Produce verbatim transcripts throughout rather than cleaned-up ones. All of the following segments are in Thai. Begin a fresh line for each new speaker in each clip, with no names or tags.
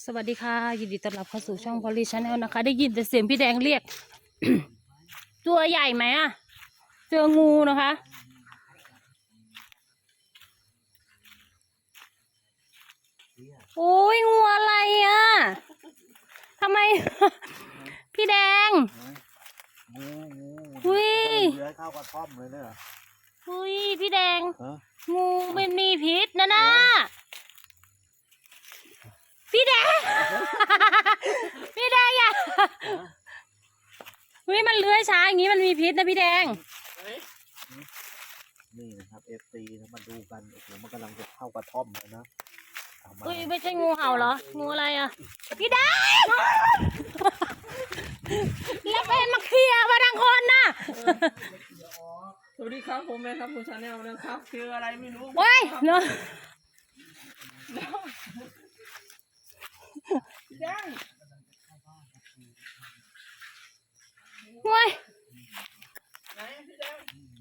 สวัสดีค่ะยินดีต้อนรับเข้าสู่ช่องพอลลี่ชาแนลนะคะได้ยินแต่เสียงพี่แดงเรียก ตัวใหญ่ไหมอ่ะเจองูนะคะโอ้ยงูอะไรอ่ะทำไม พี่แดง
งูงู
อุ้ย
เลื้อยเข้ากระท่อมเลยเนี่ย
อุ้ยพี่แดง
ฮะ
งูไม่มีพิษนะนะพี่แดง พี่แดงอย่าเฮ้ยมันเลื้อยช้าอย่างนี้มันมีพิษนะพี่แดง
นี่นะครับเอฟซีมาดูกันโอ้โหมันกำลังจะเข้ากระท่อมเลยนะ
เฮ้ยไม่ใช่งูเห่าเหรองูอะไรอ่ะพี่แดง แล้วเป็นมาเคลียร์มาทางคนน่ะ
สวัสดีครับผมแม่ครับคุณชาแนลนะครับคืออะไรไม่รู้
โอ้ยเนาะ
พี่แดง
โอ้ย
ไหนพี่แดง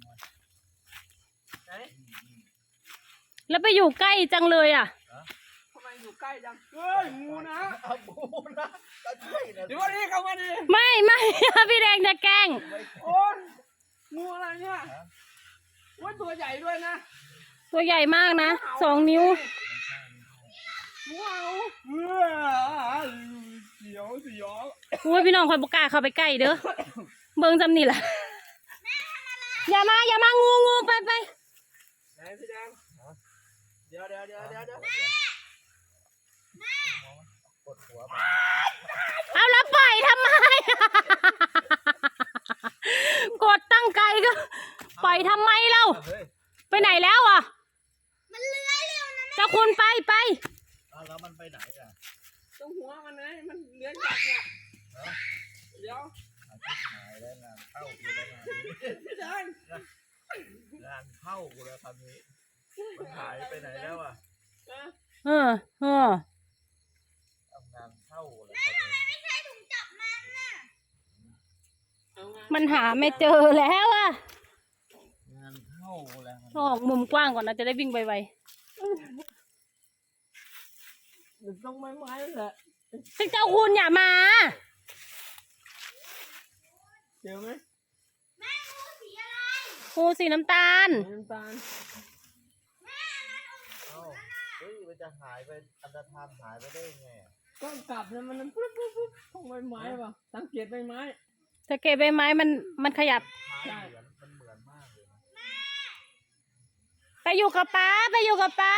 ไหน
แล้วไปอยู่ใกล้จังเลยอ่ะ
ทำไมอยู่ใกล้จังเฮ้ยงูนะ
งูนะก็ใช่นะ
เดี๋ยวนี้เข้ามาดิ
ไม่ไม่ พี่แดงจะแกล้ง
โอ้ยงูอะไรเนี่ยว่าตัวใหญ่ด้วยนะ
ตัวใหญ่มากนะสองนิ้ว
ว้าวเสียวเสียว
โอ้ยพี่น้องคอยบกล้าเข้าไปใกล้เด้อเบิ่งจำนี่แหละอย่ามาอย่ามางูงูไปไป
ไหนพี่แดงเดี๋ยวเดี๋ยวเดี๋ยวเดี๋ยวเดี๋ยว
เอาแล้วปล่อยทำไม กดตั้งไกลก็ปล่อยทำไมเล่าไปไหนแล้วอ่ะมันเลื้อยเร็วนะเจ้าคุณไปไป
แล้วมันไปไหนอ่ะ
ตรงหัวมันไงมันเลื้อยจากเนี่ยเดี๋ยว
หายแล้วงานเข้ากูแล้วงานนี้
พี่แดง
งานเข้ากูแล้วคำนี้มันหายไปไหนแล้วอ่ะ
เออเออ
ทำงานเข้าแล้วคำนี้
ไม่ใช่ถุงจับมันน่ะมันหาไม่เจอแล้วอ่ะ
งานเข้าแล้ว
ออกมุมกว้างก่อนนะจะได้วิ่งไว
ๆต้องไม้ไม้แหละ
ซึ่งเจ้าคุณอย่ามา
เจอไหม
แม่งูสีอะไรงูสีน้ำตาล
น้ำตาล
เอ้าเฮ้ยมันจะหายไปอันตรธานหายไปได้ไง
ก็กลับแล้วมันปุ๊บปุ๊บปุ๊บต้องใบไม้ป่ะสังเกตใบไม้
สังเกตใบไม้มันมันขยับ
ใช่มันเหมือนมากเลยนะ
ไปอยู่กับป้าไปอยู่กับป้า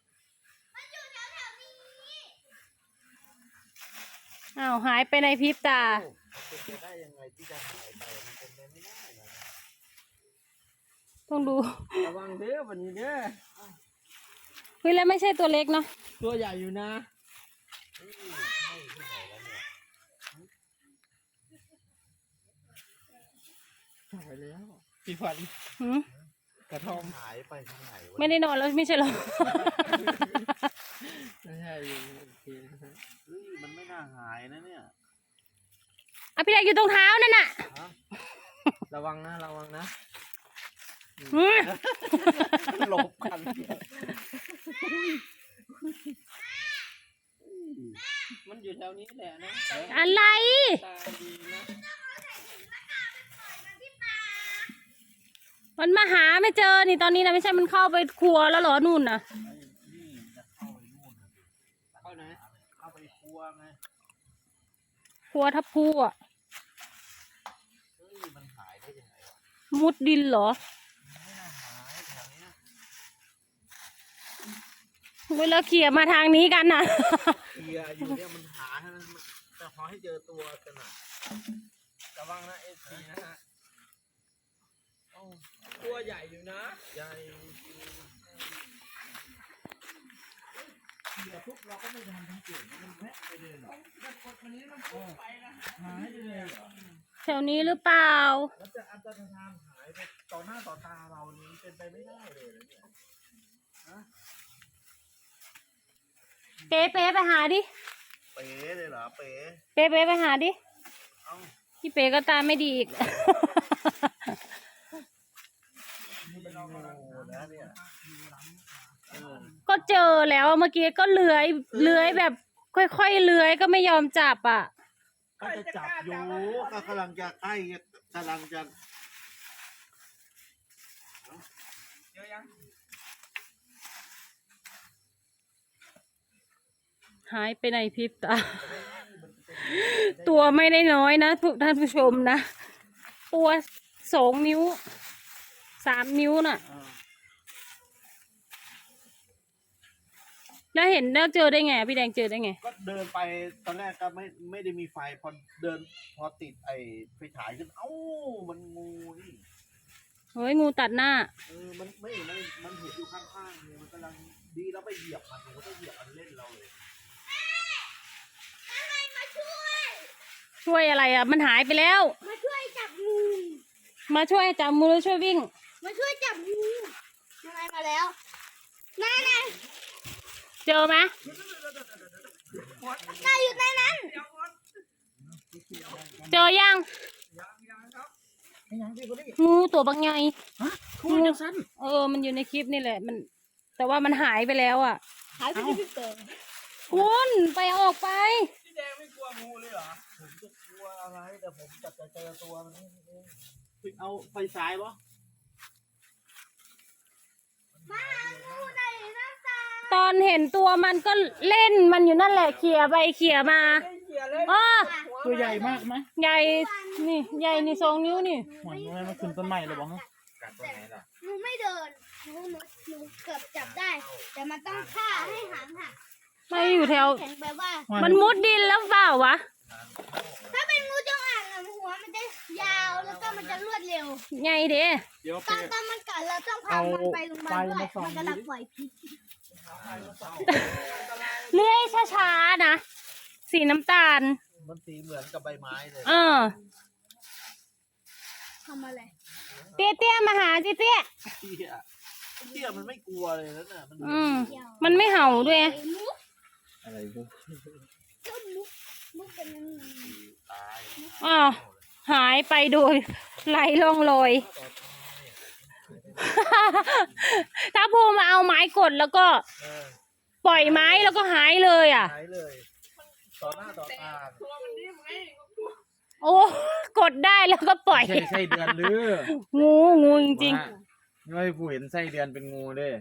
อ้าวหายไปในพริบตา
เป็นไปได้ยังไงที่จะหายไปมันเป็นไปไม่ได้นะ
ต้องดู
ระวังเด้อวันนี้เด้อ
เฮ้ยแล้วไม่ใช่ตัวเล็กเนาะ
ตัวใหญ่อยู่นะใช่แล้วพี่ฟันกระท่อม
หายไปทางไหนวะ
ไม่ได้นอนแล้วไม่ใช่หรอ
ไม่ใช่โอเค
เฮ้ยมันไม่น่าหายนะเนี่ย
อ่ะพี่แดงอยู่ตรงเท้านั่นน่ะ
ระวังนะระวังนะ
หลบกัน
มันอยู่แถวนี้แหละนะ
อะไรมันมาหาไม่เจอนี่ตอนนี้นะไม่ใช่มันเข้าไปครัวแล้วเหรอนู่นน่ะ
นี่จะเข้าไปนู่น
เข้าไหน
เข้าไปครัวไง
ครัวทับพูอ่ะ
เฮ้ยมันหายได้ยังไงวะ
มุดดินเหรอ
ไม่น่าหายแถวนี้
เวลาเขี่ยมาทางนี้กันน่ะ
เขี่ยอยู่เนี่ยมันหาให้มันจะขอให้เจอตัวกันน่ะ
ระวังนะเอสซีนะฮะตัวใหญ่อยู่นะ
ใหญ่เดี๋ยวทุกเราก็ไม่ทำทั้งเก่งมันแวะไปเลยหรอ
แต่กดวันนี้มันพุ่งไปนะ
หายไปเลยเหรอ
แถวนี้หรือเปล่า
แล้วจะอันตรธานหายไปต่อหน้าต่อตาเรานี้เป็นไปไม่ได้เลยเนี่ยฮะ
เป๊ะเป๊ะไปหาดิ
เป๋เลยเหรอเป๋
เป๊ะเป๊ะไปหาดิ
เอ้า
พี่เป๊ะก็ตาไม่ดีอีกก็เจอแล้วเมื่อกี้ก็เลื้อยเลื้อยแบบค่อยๆเลื้อยก็ไม่ยอมจับอ่ะ
ก็จะจับอยู่ก็กำลังจะใกล้กำลังจะ
เดี๋ยวยัง
หายไปในพริบตา ตัวไม่ได้น้อยนะทุกท่านผู้ชมนะ ตัวสองนิ้วสามนิ้วน่ะ แล้วเห็นแล้วเจอได้ไงพี่แดงเจอได้ไง
ก็เดินไปตอนแรกก็ไม่ไม่ได้มีไฟพอเดินพอติดไอ้ไฟฉายขึ้นเอ้ามันงูนี่
เฮ้ยงูตัดหน้า
เออมันไม่มันมันเห็นอยู่ข้างๆเนี่ยมันกำลังดีแล้วไปเหยียบมันมันก็เหยียบมันเล่นเราเลย
ช่วยอะไรอ่ะ มันหายไปแล้ว
มาช่วยจับงู
มาช่วยจับมือแล้วช่วยวิ่ง
มาช่วยจับงูยังไงมาแล้วนั่นน่ะ
เจอไหม
นายอยู่ในนั้น
เจอยัง
ยังยังครับ
งูตัวบางใหญ่
คู่จังสั้น
เออ มันอยู่ในคลิปนี่แหละ มัน แต่ว่ามันหายไปแล้วอ่ะ
หายไปที่เจอ
คุณไปออกไป
พี่แดงไม่กลัวงูเลยเหรอ
ผมจะกลัวอะไรแต่ผมจะจะเจอตัวมันนี่เองเอาไฟฉายปะ
มาหางูในน้ำตา
ตอนเห็นตัวมันก็เล่นมันอยู่นั่นแหละเขี่ยไปเขี่ยมา
ไม่เกี่ยวเลย
อ้อ
ตัวใหญ่มากไหม
ใหญ่นี่ใหญ่นี่สองนิ้วนี่
หวยทำไมมันขึ้นต้นไม้เลยบ้าง
กัดตัวไหนล่ะ
หนูไม่เดินหนูหนูหนูเกือบจับได้ แต่มันต้องฆ่าให้หางหัก
ไม่อยู่แถว
แข็งแบบว่า
มันมุดดินแล้วเปล่าวะ
ถ้าเป็นงูจงอางอะหัวมันจะยาวแล้วก็มันจะรวดเร็ว
ใหญ่เด้
เดี๋ยว
ต
ไป
อนตอนมันกัดเราต้องพามันไปโรงพยาบาลด้วยมันกำลังปล่อยพิษ
เลื่อยช้าๆนะ สีน้ำตาล
มันสีเหมือนกับใบไม้เลย
เออ
ทำอะไร
เตี้ยเตี้ยๆมาหาจิเตี้ย
เตี้ยเตี้ยมันไม่กลัวเลยนะน่ะมัน
อืม มันไม่เห่าด้วย
มุก
อะไรพวก
ก็มุกมุกเป็นยังไง
ตาย
อ้าวหายไปโดยไร้ร่องรอย ถ้าภูมาเอาไม้กดแล้วก็
เออ
ปล่อยไม้แล้วก็หายเลยอ่ะ
หายเลยต่อหน้าต่อตา
ตัวมันนิ่มไง
โอ้กดได้แล้วก็ปล่อย
ใช่ไส้เดือนหรือ
งูงูจริง
ๆไม่ผู้เห็นไส้เดือนเป็นงูเด้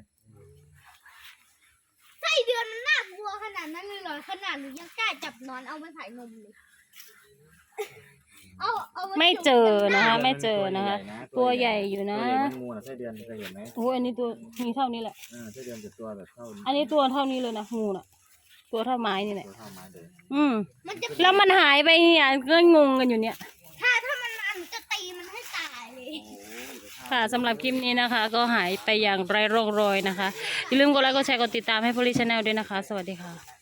ไส้เดือนมันน่ากลัวขนาดนั้นเลยเหรอขนาดหนูยังกล้าจับนอนเอามาใส่นมเลยเอาเอาา
ๆ ไม่เจอนะคะ
จุ่
ไม่เจอนะคะ ตัวใหญ่อยู่
ตั
นะ
วใหญ่เป็นงูนะไส้เดือนเคยเห็นไหม
โอ้ยอันนี้ตัวมีเท่านี้แหละ
เออไส้เดือนจะตัวแบบเท่า
อันนี้ตัวเท่านี้เลยนะงูน่ะ ตัวเท่าไม้นี่แหละ
ตัวเท่าไม้เลย
อืม
มันจะ
แล้วมันหายไปเนี่ยก็งงกันอยู่เนี่ย
ถ้าถ้ามันมาหนูจะตีมันให้ตายเลย
ค่ะสำหรับคลิปนี้นะคะ ก็หายไปอย่างไร้ร่องรอยนะคะ อย่าลืมกดไลค์กดแชร์กดติดตามให้พลิชแนลด้วยนะคะ สวัสดีค่ะ